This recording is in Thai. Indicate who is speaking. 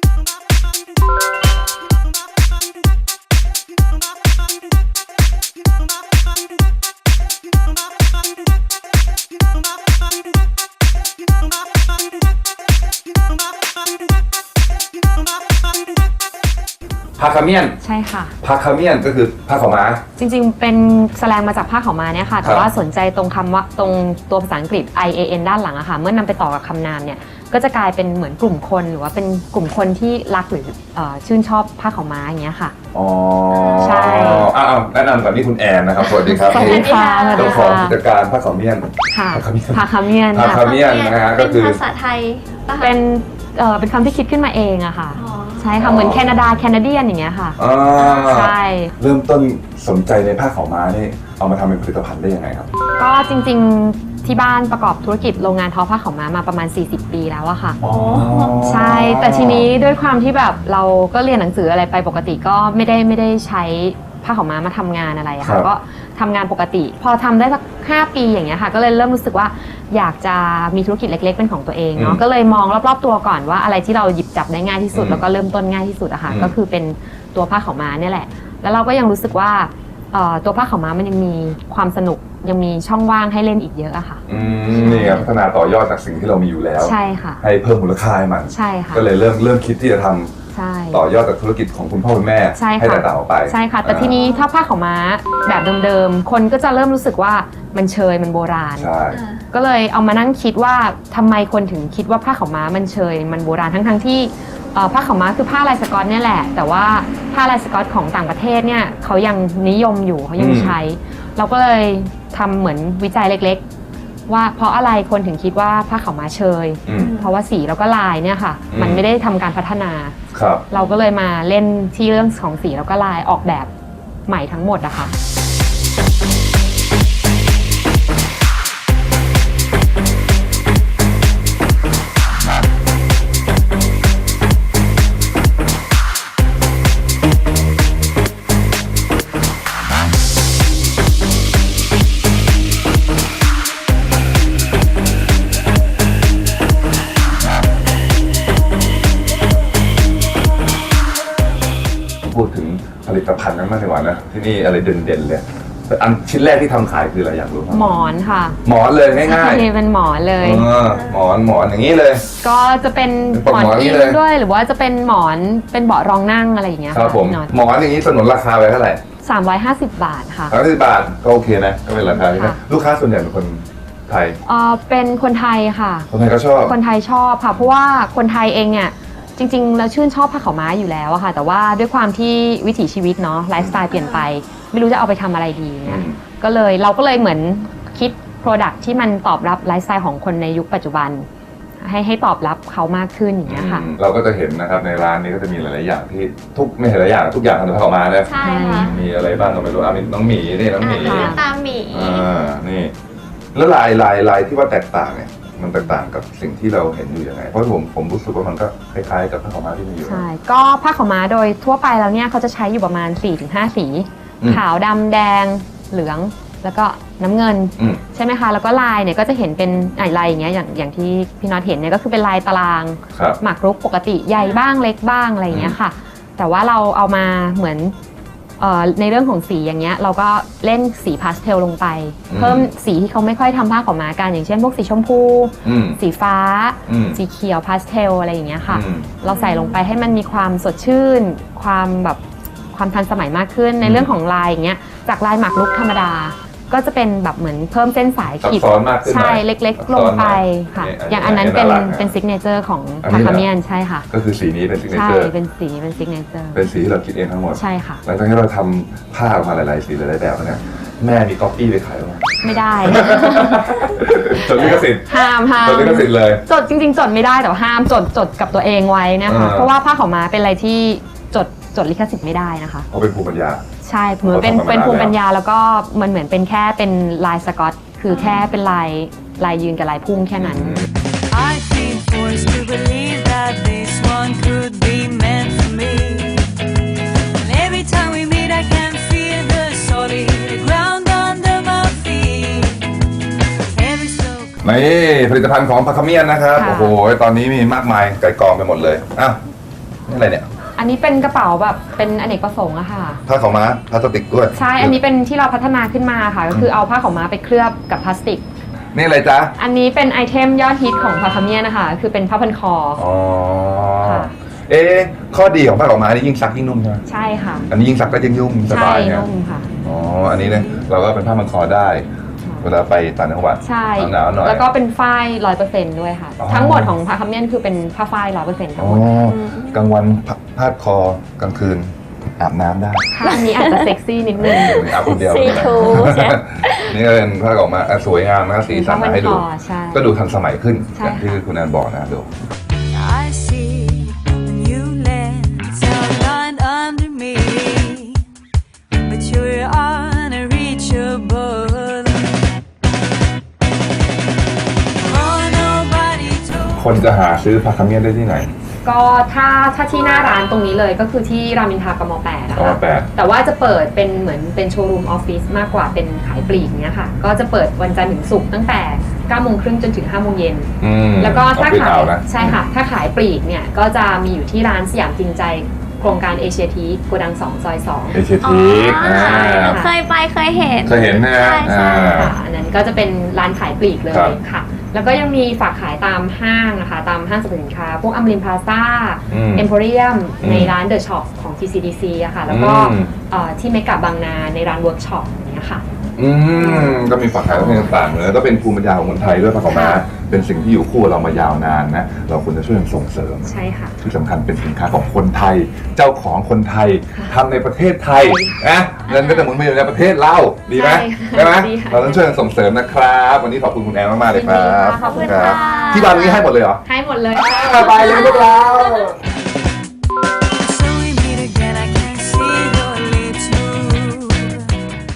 Speaker 1: ผ้าขาวเมียน
Speaker 2: ใช่ค่ะ
Speaker 1: ผ้าขาวเมียนก็คือผ้าขาวม้า
Speaker 2: จริงๆเป็นแสลงมาจากผ้าขาวม้าเนี่ยค่ะแต่ว่าสนใจตรงคำว่าตรงตัวภาษาอังกฤษ IAN ด้านหลังอะค่ะเมื่อนำไปต่อกับคำนามเนี่ยก็จะกลายเป็นเหมือนกลุ่มคนหรือว่าเป็นกลุ่มคนที่รักหรือชื่นชอบผ้าขาวม้าอย่างเงี้ยค่ะ
Speaker 1: อ๋อ
Speaker 2: ใช่
Speaker 1: แนะนำก่อนนี่คุณแอนนะครับสวัสดีครับ
Speaker 2: สวัสดีค่ะ
Speaker 1: เจ้าของกิจการผ้าขาวเมียน
Speaker 2: ค่ะผ้าขาวเมียน
Speaker 1: ผ้าขาวเมียนนะฮะก็คือ
Speaker 3: ภาษาไทย
Speaker 2: เป็นคำที่คิดขึ้นมาเองอะค่ะใช่ค่ะเหมือนแคนาเดียนอย่างเงี้ยค่ะใช่
Speaker 1: เริ่มต้นสนใจในผ้าขาวม้านี่เอามาทำเป็นผลิตภัณฑ์ได้ยังไงครับ
Speaker 2: ก็จริงๆที่บ้านประกอบธุรกิจโรงงานทอผ้าขาวม้ามาประมาณ40 ปีแล้วอะค่ะใช่แต่ทีนี้ด้วยความที่แบบเราก็เรียนหนังสืออะไรไปปกติก็ไม่ได้ใช้ผ้าขาวม้ามาทำงานอะไรค่ะก็ทำงานปกติพอทำได้สัก5 ปีอย่างเงี้ยค่ะก็เลยเริ่มรู้สึกว่าอยากจะมีธุรกิจเล็กๆเป็นของตัวเองเนาะก็เลยมองรอบๆตัวก่อนว่าอะไรที่เราหยิบจับได้ง่ายที่สุดแล้วก็เริ่มต้นง่ายที่สุดอะค่ะก็คือเป็นตัวผ้าขาวม้าเนี่ยแหละแล้วเราก็ยังรู้สึกว่าตัวผ้าขาวม้ามันยังมีความสนุกยังมีช่องว่างให้เล่นอีกเยอะอะค่ะ
Speaker 1: นี่ครับพัฒนาต่อยอดจากสิ่งที่เรามีอยู่แล้ว
Speaker 2: ใช่ค่ะ
Speaker 1: ให้เพิ่มมูลค่าให้มัน
Speaker 2: ใช่ค่ะ
Speaker 1: ก็เลยเริ่มคิดที่จะทำต่อยอดจากธุรกิจของคุณพ่อคุณแม่ให้แตกต่างออกไป
Speaker 2: ใช่ค่ะแต่ทีนี้ถ้าผ้าขาวม้าแบบเดิมๆคนก็จะเริ่มรู้สึกว่ามันเชยมันโบราณก็เลยเอามานั่งคิดว่าทำไมคนถึงคิดว่าผ้าขาวม้ามันเชยมันโบราณทั้งที่ผ้าขาวม้าคือผ้าลายสก๊อตเนี่ยแหละแต่ว่าผ้าลายสก๊อตของต่างประเทศเนี่ยเขายังนิยมอยู่เขายังใช้เราก็เลยทำเหมือนวิจัยเล็กๆว่าเพราะอะไรคนถึงคิดว่าผ้าขาวม้าเชยเพราะว่าสีแล้วก็ลายเนี่ยค่ะมันไม่ได้ทำการพัฒนาเราก็เลยมาเล่นที่เรื่องของสีแล้วก็ลายออกแบบใหม่ทั้งหมดอะค่ะ
Speaker 1: พูดถึงผลิตภัณฑ์นั้นมากดีกว่านะที่นี่อะไรเด่นๆเลยอันชิ้นแรกที่ทำขายคืออะไรอยากรู้ครับ
Speaker 2: หมอนค่ะ
Speaker 1: หมอนเลยง่าย
Speaker 2: ๆเป็นหมอนเลย
Speaker 1: หมอนอย่างนี้เลย
Speaker 2: ก็จะเป็นหมอนอิงด้วยหรือว่าจะเป็นหมอนเป็นเบาะรองนั่งอะไรอย่างเงี้ย
Speaker 1: ครับผมหมอนอย่างนี้สนุนราคาไว้เท่าไหร่
Speaker 2: 350 บาทค่ะ
Speaker 1: 350 บาทก็โอเคนะก็เป็นราคาที่ลูกค้าส่วนใหญ่เป็นคนไทย
Speaker 2: เป็นคนไทยค่ะ
Speaker 1: คนไทยก็ชอบ
Speaker 2: คนไทยชอบค่ะเพราะว่าคนไทยเองเนี่ยจริงๆแล้วชื่นชอบผ้าขาวม้าอยู่แล้วอะค่ะแต่ว่าด้วยความที่วิถีชีวิตเนาะไลฟ์สไตล์เปลี่ยนไปไม่รู้จะเอาไปทำอะไรดีเนี่ยเราก็เลยเหมือนคิด Product ที่มันตอบรับไลฟ์สไตล์ของคนในยุคปัจจุบันให้ตอบรับเขามากขึ้นอย่างเงี้ยค่ะ
Speaker 1: เราก็จะเห็นนะครับในร้านนี้ก็จะมีหลายๆอย่างที่ไม่ใช่หลายอย่างทุกอย่างทำจากผ้าขาวม้าเลย
Speaker 3: ใช่ค่ะ
Speaker 1: มีอะไรบ้างก็ไม่รู้มีน้องหมีนี่น้องหมี
Speaker 3: ตามหมี
Speaker 1: นี่แล้วลายที่ว่าแตกต่างเนี่ยมันแตกต่างกับสิ่งที่เราเห็นอยู่ยังไงเพราะผมรู้สึกว่ามันก็คล้ายๆกับผ้าขาวม้าที่มีอยู่
Speaker 2: ใช่ก็ผ้าขาวม้าโดยทั่วไปแล้วเนี่ยเขาจะใช้อยู่ประมาณ 4-5 สีขาวดำแดงเหลืองแล้วก็น้ำเงินใช่ไหมคะแล้วก็ลายเนี่ยก็จะเห็นเป็นลายอย่างเงี้ยอย่างที่พี่น็อตเห็นเนี่ยก็คือเป็นลายตารางหมากรุกปกติใหญ่บ้างเล็กบ้างอะไรอย่างเงี้ยค่ะแต่ว่าเราเอามาเหมือนในเรื่องของสีอย่างเงี้ยเราก็เล่นสีพาสเทลลงไปเพิ่มสีที่เขาไม่ค่อยทำผ้าขาวม้ากันอย่างเช่นพวกสีชมพูสีฟ้าสีเขียวพาสเทลอะไรอย่างเงี้ยค่ะเราใส่ลงไปให้มันมีความสดชื่นความทันสมัยมากขึ้นในเรื่องของลายอย่างเงี้ยจากลายหมากรุกธรรมดาก็จะเป็นแบบเหมือนเพิ่มเส้นสายขีดใช่เล็กๆลงไปค่ะอย่างอันนั้นเป็นซิกเนเจอร์ของผ้าขาวเมียนใช่ค่ะ
Speaker 1: ก็คือสีนี้เป็นซิกเนเจอร์
Speaker 2: ใช่เป็นสีเป็นซิกเนเจอร์
Speaker 1: เป็นสีที่เราคิดเองทั้งหมด
Speaker 2: ใช่ค่ะ
Speaker 1: หลังจากที่เราทำผ้าออกมาหลายๆสีหลายๆแบบเนี่ยแม่มีก๊อปปี้ไปขายไหม
Speaker 2: ไม่ได้
Speaker 1: จดลิขสิทธิ์
Speaker 2: ห้าม
Speaker 1: จดลิขสิทธิ์เลย
Speaker 2: จดจริงๆจดไม่ได้แต่ห้ามจดกับตัวเองไว้นะคะเพราะว่าผ้าขาวม้าเป็นอะไรที่จดลิขสิทธิ์ไม่ได้นะคะ
Speaker 1: เพราะเป็นภูมิปัญญา
Speaker 2: ใช่เหมือนเป็นภูมิปัญญาแล้วก็มันเหมือนเป็นแค่เป็นลายสก๊อตคือแค่เป็นลายยืนกับลายพุ่งแค่นั้น
Speaker 1: นี่ผลิตภัณฑ์ของผ้าขาวเมียนนะครับโอ้โหตอนนี้มีมากมายไก่กองไปหมดเลยนี่อะไรเนี่ย
Speaker 2: อันนี้เป็นกระเป๋าแบบเป็นอเนกประสงค์อะค่ะ
Speaker 1: ผ้าขาวม้าพลาสติกด้วย
Speaker 2: ใช่ อันนี้เป็นที่เราพัฒนาขึ้นมาค่ะ ก็คือเอาผ้าขาวม้าไปเคลือบกับพลาสติก
Speaker 1: นี่อะไรจ๊ะ
Speaker 2: อันนี้เป็นไอเทมยอดฮิตของพาคาเมียนะคะ คือเป็นผ้าพันคอ
Speaker 1: อ๋อ
Speaker 2: ค่ะ
Speaker 1: ข้อดีของผ้าขาวม้านี่ยิ่งซักยิ่งนุ่มใช่ไหม
Speaker 2: ใช่ค่ะ
Speaker 1: อันนี้ยิ่งซักก็ยิ่งนุ่มส
Speaker 2: ใช่
Speaker 1: บายเนี่ย
Speaker 2: นุ่มค่ะ
Speaker 1: อ๋อ อันนี้เนี่ยเราก็เป็นผ้าพันคอได้ เวลาไปต่างจังหวัด
Speaker 2: ใช่
Speaker 1: หนาวๆหน่อย
Speaker 2: แล้วก็เป็นฝ้าย100%ด้วยค่ะ
Speaker 1: อ๋อ
Speaker 2: ทั้งหมดของพาคาเมียนคือเป็นผ้าฝ้าย100%ทั้
Speaker 1: อ๋
Speaker 2: ง
Speaker 1: อ
Speaker 2: หมด
Speaker 1: กลางวันพาดคอกลางคืนอาบน้ำได้
Speaker 2: ค่ะอันนี้อาจจะเซ็กซี่นิดนึง
Speaker 1: อาบคนเดียว
Speaker 3: ซีทูใช่
Speaker 1: นี่ก็เป็นผ้าขาวม้าสวยงามนะสีสันมาให้ดู
Speaker 2: ผ้าพันคอใช่
Speaker 1: ก็ดูทันสมัยขึ้น
Speaker 2: ใช่
Speaker 1: อย่างที่คุณแอนบอกนะดู
Speaker 4: I see a new lens outlined under me, but you're unreachable. Oh, nobody told
Speaker 1: คนจะหาซื้อผ้าขาวม้าได้ที่ไหน
Speaker 2: ก็ถ้าที่หน้าร้านตรงนี้เลยก็คือที่รามอินทรากม8นะ
Speaker 1: กม
Speaker 2: คะ
Speaker 1: 8
Speaker 2: แต่ว่าจะเปิดเป็นเหมือนเป็นโชว์รูมออฟฟิศมากกว่าเป็นขายปลีกเนี้ยค่ะ ก็จะเปิดวันจันทร์ถึงศุกร์ตั้งแต่9 โมงครึ่งจนถึง5 โมงเย็น แล้วก็ถ้าขายใช่ค่ะ ถ้าขายปลีกเนี่ยก็จะมีอยู่ที่ร้านสยามจริงใจโครงการเอเชียทีโกดัง2 ซอย 2
Speaker 1: เอเชียทีก
Speaker 2: ใช่ค่ะ
Speaker 3: เคยไปเคยเห็น
Speaker 1: เคยเห็นนะฮะ
Speaker 3: ใช่
Speaker 2: ค่ะอันนั้นก็จะเป็นร้านขายปลีกเลย
Speaker 1: ครับ
Speaker 2: ค่ะ แล้วก็ยังมีฝากขายตามห้างนะคะ ตามห้างสรรพสินค้า พวกอมรินทร์พลาซ่า เอ็มโพเรียม ในร้านเดอะช็อปของ TCDC อะค่ะ แล้วก็ที่เมกะบางนาในร้านเวิร์กช็อปอย่างเงี้ยค่ะ
Speaker 1: ก็มีฝักขายต่างๆเลยก็เป็นภูมิปัญญาของคนไทยด้วยผ้าขาวม้าเป็นสิ่งที่อยู่คู่กับเรามายาวนานนะ เราควรจะช่วยกันส่งเสริม
Speaker 2: ใช่ค่ะ
Speaker 1: ที่สำคัญเป็นสินค้าของคนไทย เจ้าของคนไทยทำในประเทศไทยนะเงินก็จะหมุนไปอยู่ในประเทศเราดีไหม
Speaker 2: ใช่ค่ะ
Speaker 1: ใช่ไหม
Speaker 2: ดีค่ะ
Speaker 1: เราต้องช่วยกันส่งเสริมนะครับ วันนี้ขอบคุณคุณแอนมากๆเลยครับ
Speaker 2: ยินดีค่ะขอบคุณค่ะ
Speaker 1: ที่บ้านนี้ให้หมดเลยเหรอ
Speaker 2: ให้หมดเลย
Speaker 1: ไปเลยพวกเรา